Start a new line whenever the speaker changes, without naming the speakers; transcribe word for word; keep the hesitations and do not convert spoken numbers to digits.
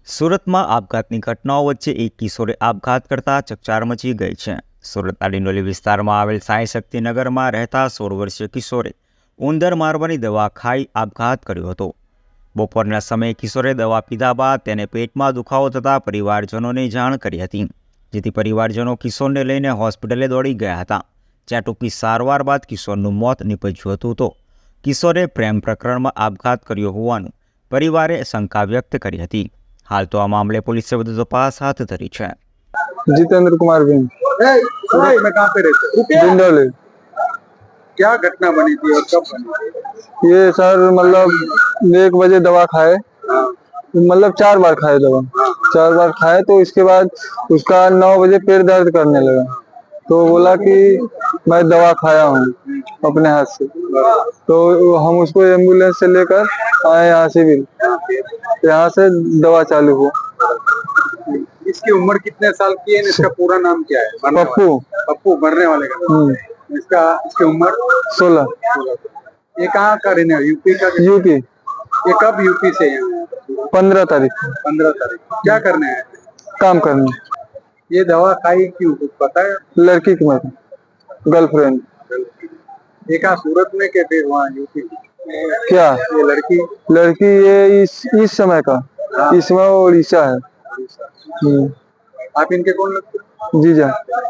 સુરતમાં આપઘાતની ઘટનાઓ વચ્ચે એક કિશોરે આપઘાત કરતા ચકચાર મચી ગઈ છે। સુરતના ડિંડોલી વિસ્તારમાં આવેલ સાંઈ શક્તિનગરમાં રહેતા સોળ વર્ષીય કિશોરે ઉંદર મારવાની દવા ખાઈ આપઘાત કર્યો હતો। બપોરના સમયે કિશોરે દવા પીધા બાદ તેને પેટમાં દુખાવો થતાં પરિવારજનોને જાણ કરી હતી, જેથી પરિવારજનો કિશોરને લઈને હોસ્પિટલે દોડી ગયા હતા, જ્યાં ટૂંકી સારવાર બાદ કિશોરનું મોત નીપજ્યું હતું। તો કિશોરે પ્રેમ પ્રકરણમાં આપઘાત કર્યો હોવાનું પરિવારે શંકા વ્યક્ત કરી હતી। हाल तो आ मामले पुलिस से વધુ તપાસ હાથ ધરી છે।
जितेंद्र कुमार बिन
सूरत में कहाँ पे रहते हो?
डिंडोली।
क्या घटना बनी थी और कब बनी थी?
ये सर मतलब एक बजे दवा खाए, मतलब चार बार खाए दवा, चार बार खाए तो इसके बाद उसका नौ बजे पेट दर्द करने लगा, तो बोला कि मैं दवा खाया हूँ अपने हाथ से, तो हम उसको एम्बुलेंस से लेकर आए यहाँ सिविल, यहाँ से दवा चालू हुआ।
इसकी उम्र कितने साल की है? इसका पूरा नाम क्या है? मरने
पप्पू।
वाले- पप्पू मरने वाले का। इसका इसकी उम्र
सोलह।
ये कहाँ का रहने वाला? यूपी का?
यूपी।
ये कब यूपी से यहाँ?
पंद्रह तारीख
पंद्रह तारीख। क्या करने आए थे?
काम करने।
ये दवा खाई क्यों, कुछ पता है?
लड़की की मत गर्लफ्रेंड।
ये कहाँ सूरत में के फिर वहाँ यूपी में?
क्या
ये लड़की
लड़की ये इस इस समय का इसमें उड़ीसा है। हम्म।
आप इनके कौन लगते हो?
जीजा।